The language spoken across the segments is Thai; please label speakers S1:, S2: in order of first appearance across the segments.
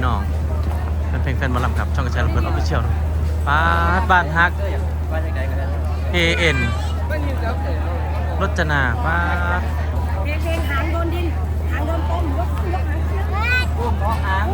S1: พี่น้องแฟนๆมาลำกับช่องกระชายลำเพลินออฟฟิเชียลบ้านฮักAN รจนา
S2: เพลงหางโดนดินหางโดนต้มยกหางอุ้มหาง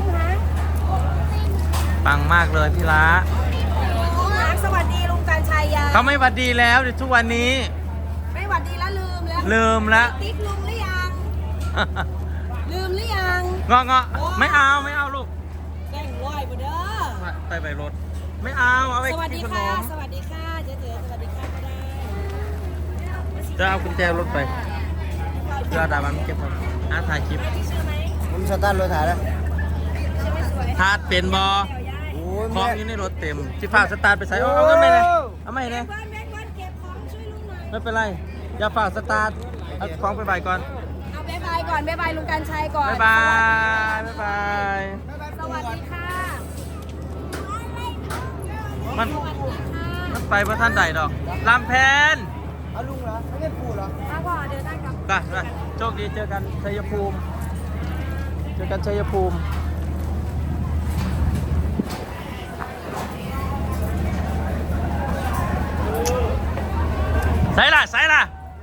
S1: ปังมากเลยพี่ละ
S2: สวัสดีลุงการชัยยา
S1: เขาไม่หวัดดีแล้วทุกวันนี้
S2: ไม่หวัดดีแล้ว
S1: ลืมแล้ว
S2: ติ๊กลุงหรือยังลืมหรือยัง
S1: เงาะไม่เอาลูก
S2: แกงลอยมาเด้อ
S1: ไปรถไม่เอาไป
S2: สวัสดีค่ะสวัสดีค่ะเจ๊สวัสดีค่ะก็ได้
S1: จะเอากุญแจรถไปเพื่อดามันเก็บไว้ถ่ายคลิป
S3: ผมสตาร์ทรถถ่ายแล้ว
S1: ทาดเป็นบอของอยู่ในรถเต็มจิฝากสตาร์ทไปใส่เอาเงินไปเลยเอาไม่เลยไม่เป็นไรอย่าฝากสตาร์ทเอาของไปใบก่อน
S2: เอาบ๊ายบายก่อนบ๊ายบายลุงการชัยก่อน
S1: บ๊ายบาย
S2: สวัสดีค่ะ
S1: มันไปเพราะท่านใดดอกลำแพน
S3: เอาลุงเหรอไม่ได้ปู่เหรอ
S2: มาก่อนเดินได้กับ
S1: ไปโชคดีเจอกันชัยภูมิใส่ล่ะ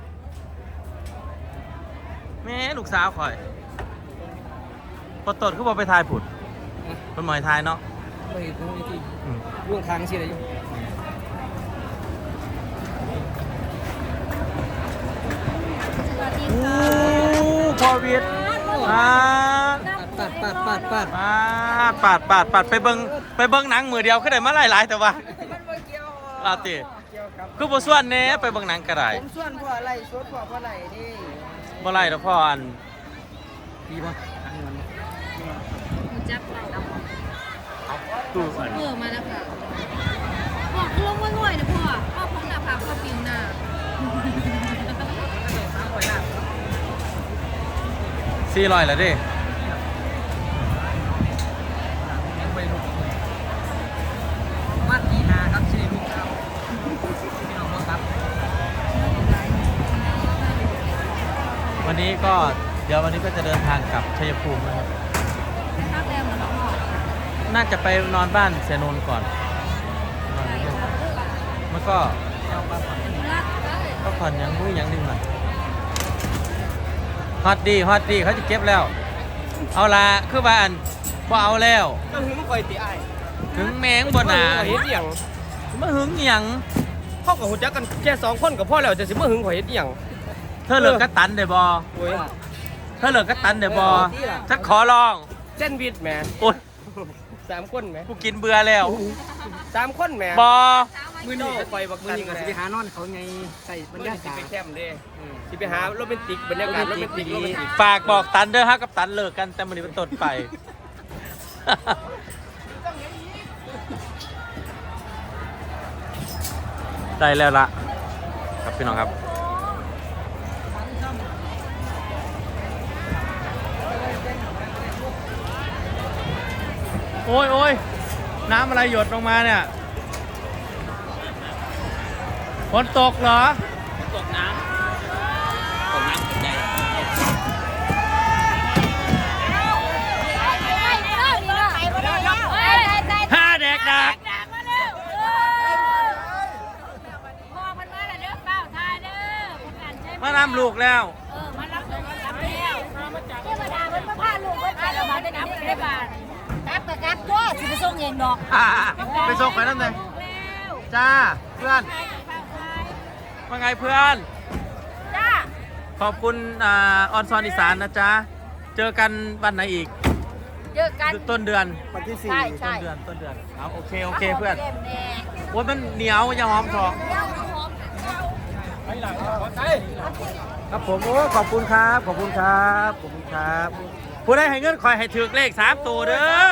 S1: แม่ลูกสาวข่อยพอตดเขาบอกไปทายผุดคนหมอยทายเนาะ
S3: ไม่เห็นตรงนี้ที่ล่วงทางเชียร์อยู่
S1: พอวิทย์ปัดไปเบิ้งหนังมือเดียวก็ได้มาหลายแต่ว่าลาตีคือบ่ส่วนเน่ไปเบิ่งหนังก็ได้
S3: ผมส่วนพ่ออะไรส่วนพ่ออะไรนี่
S1: บ่ไรแล้วพ่ออัน
S3: ดีป่ะ
S2: จับ
S1: ตู้อัน
S2: มาแล้วค่ะบอกลงง่อยๆนะพ่อผมหน้าผากพ่อปิวหน้า
S1: 400แล้วดิ
S3: วัดดีนาครับชื่อลูกเราพี่น้องครับ
S1: วันนี้ก็เดี๋ยววันนี้ก็จะเดินทางกลับชัยภูมินะครับน่าจะไปนอนบ้านเสนนก่อนมันก็ผ่อนยังรู้ยังดึงหน่อยฮอตดีเขาจะเก็บแล้วเอาละคือบ้านบ่เอาแล้ว
S3: ก็หึงคอยตีไอ้
S1: หึงแมงบ่หนา
S3: เฮ็ดอย่าง
S1: มาหึงหยัง
S3: พ่อกับหุ่นจักกันแค่2คนกับพ่อแล้วจะสิมาหึงข่อยเฮ็ดอย่าง
S1: เธอเลิกกระตันได้บ่เธอเลิกกระตันได้บ่ถ้าขอลอง
S3: เส้นวิทย์แหม
S1: โอ๊ย
S3: 3คนแหม
S1: กูกินเบื่อแล้ว
S3: 3คนแหม
S1: บ่
S3: มื้อนี้ก็ไปบักมื้อนี้ก็สิไปหานอนเขาไงใส่บรรยากาศสิไปแคมป์เด้สิไปหาโรแมนติกบรรยากาศโรแมนติก
S1: ฝากบอกตันเด้อฮะกับตันเลิกกันแต่มื้อนี้เป็นต้นไปได้แล้วละครับพี่น้องครับโอ้ยน้ำอะไรหยดลงมาเนี่ยฝนตกเหรอ
S3: ตกน้ำใจ
S1: ห้าเด็กดักมาน้ำลูกแล้ว
S2: มารับแล้วเทวดามันมาพาลูกไปแล้วมาได้น้ำไปได้บาทกลับตัวสิไปส่งเองดอก
S1: ไปส่งไปนั่นเลยจ้าเพื่อนว่าไงเพื่อน
S2: จ้า
S1: ขอบคุณออนซอนอีสานนะจ๊ะเจอกันวันไหนอีก
S2: เจอกัน
S1: ต้นเดือน
S3: วันที่
S1: 4ต้นเดือนเอาโอเคเพื่อนโอ้ยมันเหนียวอย่าหอมทองครับผมโอ้ขอบคุณครับผู้ได้ให้เงินคอยให้ถือเลข3ตัวเด้อ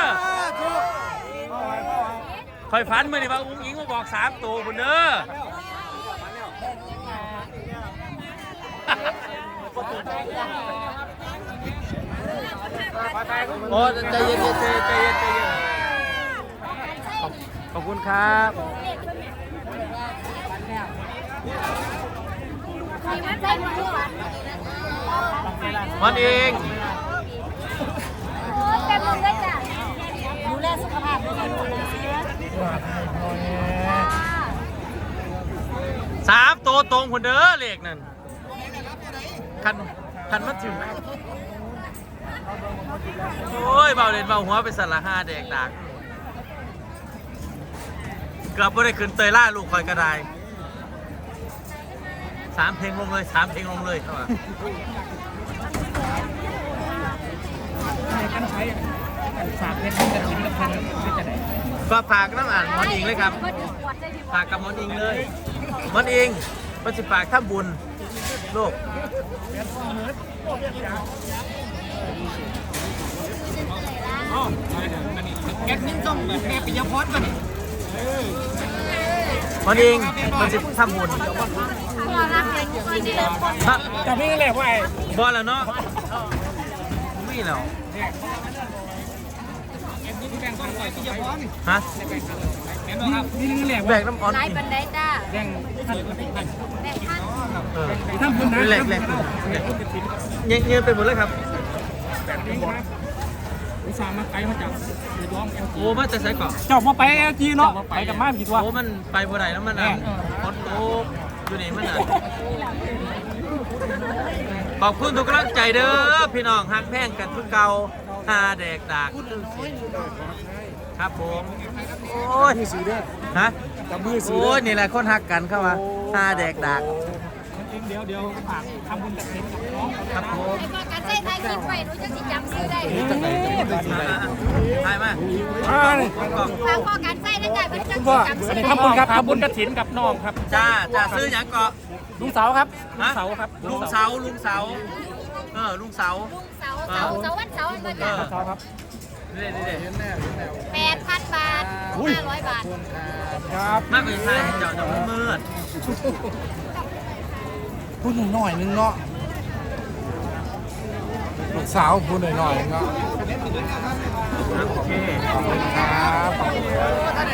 S1: คอยฝันมื่อนี่ว่าอุ้งอิงมาบอก3ตัวบุญเด้อโอ้ใจเย็นขอบคุณครับมันเอง
S2: เต็มลงได้จ้ะ
S1: ตรงคนเด้อเลขนั่นคันมาถึงโอ้ยเบาเล่นเบาหัวไปสั่นละห้าแดกดักเกือบไม่ได้ขึ้นเตยล่าลูกคอยกระได3 เพลงลงเลย3 เพลงลงเลยเข้ามา
S3: ฝากเพชรกับชิ้นกับพันจะไหน
S1: ก็ฝากน้ำอ่านมอนอิงเลยครับฝากกับมอนอิงเลยมอนอิงมันสิฝากท่าบุญลูก
S3: แก๊สนิ่งต้องแบบแม่ปิยพจน์ป่ะนี่
S1: มันเองมันจะทำบุญ
S3: แต่พี่แหละว่าไอ้
S1: บอลแล้วเนาะไม่แล้ว
S3: แก๊สนิ่งแบ่งต้องปล่อยปิยพจน์
S1: ฮะ
S3: นี่แหละ
S1: แบกน้ำอ่อน
S2: นายบันไดจ้า
S3: แบ่งท่าน
S2: แม่ท่าน
S3: ทำบุญนะ
S1: แหลกเงี้ยไปหมดเลยครับ
S3: แบบนี้ครับอุตส่าห์มาไกลมาจากระยอง
S1: โอ้มาจะใส่เกาะ
S3: เจ้ามาไปจีเนาะไปกับมาผิดว่า
S1: โอ้มันไปบ่ได้แล้วมันอ่ะคดโอ้อยู่นี่มันอ่ะขอบคุณทุกกำลังใจเด้อพี่น้องฮักแพงกันทุกเก่าหาแดกดากครับผมโอ้ยฮะโอ้ยนี่แหละคนฮักกันเข้ามาหาแดกดาก
S3: เดี๋ยวฝากทำบุญกับเพชรกับน้อง
S1: ครับผม
S2: ไอ้พ่อการใช้ไทยคิดไปรู้จักสิจำซื้อได้
S1: ถ่ายมา
S2: ฝากพ่อการใช้นะจ๊ะรู้จักสิจำซื้อ
S3: ทำบุญครับทำบุญกระถินกับน้องครับ
S1: จ้าซื้อหยังเกาะ
S3: ลุงเสาครับลุงเสาครับ
S1: ลุงเสาลุงเสาลุงเสา
S2: ลุงเสาวันเสาร์มาจ้ะ
S3: เสาครับ
S1: เด็ด
S2: 8,000 บาท 500 บาท
S3: ครับ
S1: มากกว่าใช่เจ้าจะมืด
S4: พูดหน่อยนึงเนาะลูกสาวพูดหน่อยนึงเนาะ
S1: โอเค
S4: ครับ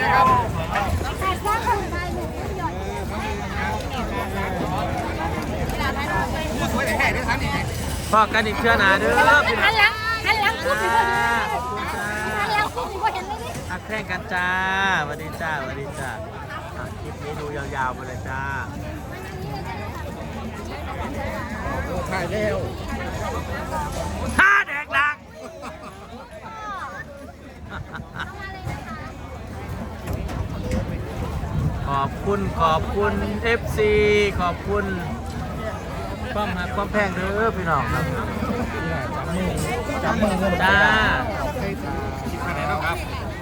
S1: พอกันอีกเชื่อหนาเด้อพี่น้อง
S2: หันหลังปุ๊บอยู่บ่หันหลังปุ๊บอยู่บ่เห็นเลยนี่
S1: หักแข่งกันจ้าสวัสดีจ้าสวัสดีจ้าคลิปนี้ดูยาวๆไปเลยจ้า
S4: ถ่ายแล้ว
S1: ห้าแดกดักขอบคุณ FC ขอบคุณความหักความแพงเด้อพี่น้องครับ
S4: จับมือ
S1: จ้า
S4: ครับ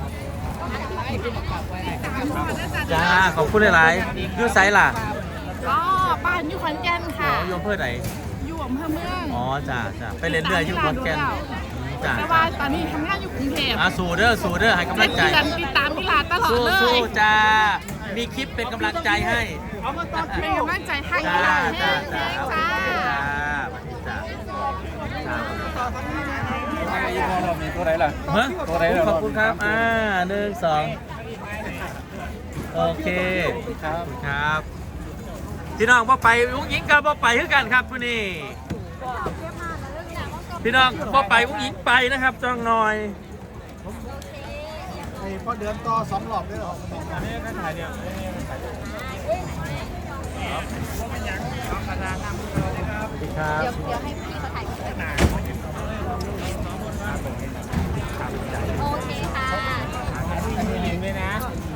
S1: จ้าขอบคุณหลายๆยูไซล่ะ
S5: ก็บ้านอยู่ขอนแก่น
S1: อ๋
S5: ค่ะ
S1: อโยมเพื่อไหน
S5: อยู่อำเภอเมือง
S1: อ๋อจ้าไปเล่นเรืออยู่ขอนแก่นจ้า
S5: แต่ว่าตอนนี้ทำงานอยู่กรุงเทพ
S1: สู้เด้อให้กำลังใจ
S5: เดือนติดตามมิลาตลอดเลย
S1: สู้จ้ามีคลิปเป็นกำลังใจให้
S5: เป็นกำลังใจให้
S1: จ้า
S5: ค่ะ
S1: จ้า
S5: เฮ้ย
S1: จ้า
S5: จ้า
S1: จ้า
S3: ยี่ห้อเรามีตัวไหนล่ะ
S1: ฮะขอบคุณครับ1 2โอเคครับพี่น้องบ่ไปอุ้งยิงกับบ่ไปคือกันครับมื้อนี้พี่น้องบ่ไปอุ้งยิงไปนะครับจ้องหน่อย
S4: ไอ้พอเดือนต่อ2 รอบได้หรอ
S3: อันนี้ก็ถ่ายเนี่ย
S1: สวัสดีครับ
S2: เดี๋ยวให้พี่เขาถ่ายคลิปโอเคค่ะ
S3: ยิงเลยนะ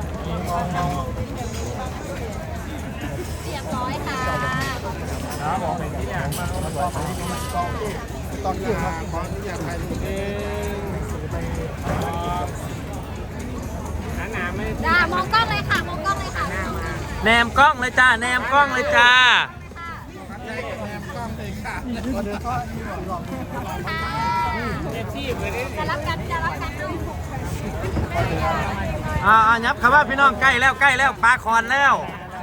S2: เรียบร้อยค่ะ
S3: ครับบอกเป็นที่อย่างมาบอกเป็นที่เป็นกองที่
S4: ตอนนี้ขออนุญาตถ่ายรูป
S3: หนาไม่
S2: จ้ามองกล้องเลยค่ะ มองกล้องเลยค่ะ
S1: แนมกล้องเลยจ้าแนมกล้องเลยจ้า
S4: พอเดือนต่อ
S2: จะรับกันจะรับกัน
S1: ยับคำว่าพี่น้องใกล้แล้วปลาคอนแล้ว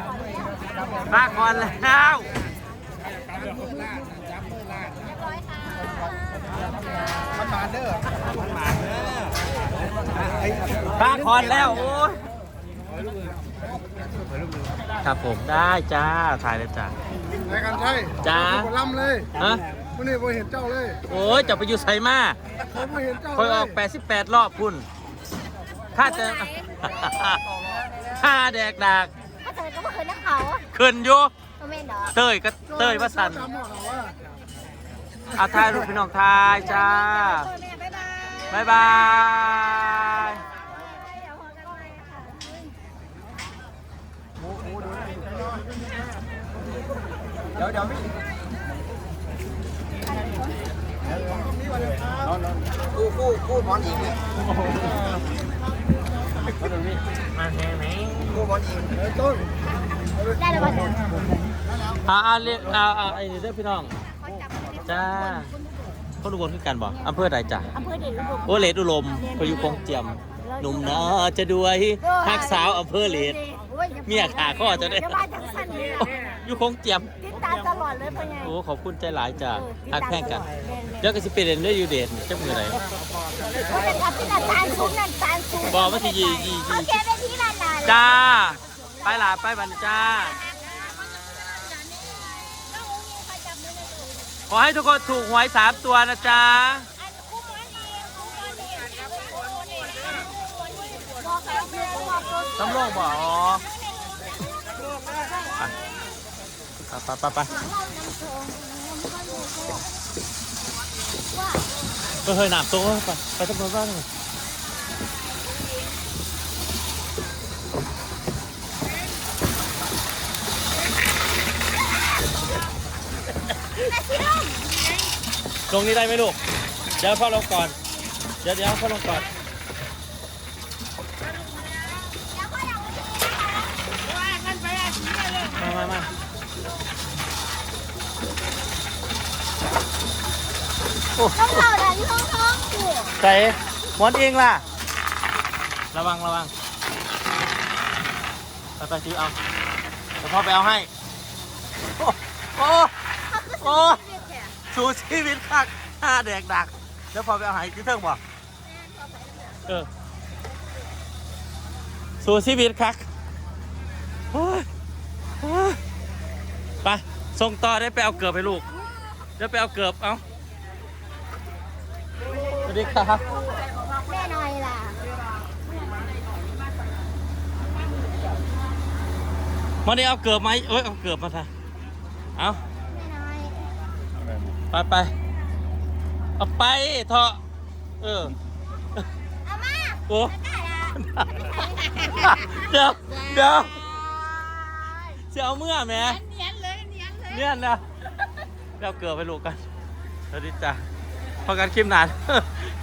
S4: มันมาเด้อ
S1: ปลาคอนแล้วโอ้ยครับผมได้จ้าถ่ายเลยจ้า
S4: รายการใช่
S1: จ้า
S4: ผมล่ำเลย
S1: ฮะ
S4: วันนี้ผมเห็นเจ้าเลย
S1: โอ้ยจะไปอยู่ไสมา
S4: ผมไม่เห็นเจ้า
S1: คอยออก88รอบคุณข้าจะ ค่าแดกดาก
S2: ถ้าเธอก็ไม่เคยนักเขา
S1: ขึ้นอยู่
S2: ไม่ดอก
S1: เต้ยก็เต้ยว่าสัน
S4: จำหมดเหรอว่า
S1: อาทายลูกพี่น้องทายจ้า
S2: แม่บ๊ายบาย
S1: บ๊ายบาย
S2: เดี๋ยวพอกันใหม่ค่ะ
S4: เดี๋ยวไม่คู่หมอนหญิงเนี่ย
S1: มาแทงไหม
S4: คู่หมอนหญิงต้น
S2: ได้แล้วป่ะจ๊ะ
S1: เรียกไอ้เด้อพี่น้องจ้าเขาดูบนขึ้นกันบ่อำเภอใดจ้ะ
S2: อำเภอเดชอุดม
S1: โอเลดอุลมพยุคงเจียมหนุ่มนาจะด้วยฮักสาวอำเภอเลดเมียขาข้อจะได้
S2: เดี๋ยวมาจังสันนี่ล่ะ
S1: อยู่คงเจียม
S2: ติดตามตลอดเลยเป็นไง
S1: โอ้ขอบคุณใจหลายจ้ะฮักแพ่งกันเดี๋ยวก็สิเป็นเด่นได้อยู่เด่นจังมือไหน
S2: เขาจะทำที่นั่นตาลซุ้มนั่นตาลซุ้ม
S1: บอกว่าสิยี
S2: โอเคไปที่นั่นน่ะ
S1: จ้าไปหลาไปบันจ้าขอให้ทุกคนถูกหวย3 ตัวนะจ๊ะตำรวจบอกอ๋อไปก็เคยหนามตัวไปตำรวจบ้างลงนี้ได้ไหมลูกเดี๋ยวพ่อลงก่อนเดี๋ยวพ่อลงก่อนมาโอ้
S2: ต้องเข่าดันท้องสิ
S1: ใส่หมอนเองล่ะระวังไปซื้อเอาเดี๋ยวพ่อไปเอาให้โอ้สู้ชีวิตคัก5 แดกดักแล้วพ่อไปเอาให้ที่เทิงบ่สู้ชีวิตคักไปส่งต่อได้ไปเอาเกือบไปลูกเดี๋ยวไปเอาเกือบเอาสวัสดีครับ
S2: แม่น้อยล่ะ
S1: วันนี้เอาเกือบไหมเอาเกือบมาท่ะเอา
S2: แม่น้อย
S1: ไปเอาไปเถอะ
S2: เอามา
S1: โอ้
S2: ได้ละ
S1: เดี๋ยวจะเอาเมื่อแม่เนียนนะเราเกือบไปลูกกันสวัสดีจ้ะพอกันคลิปนาน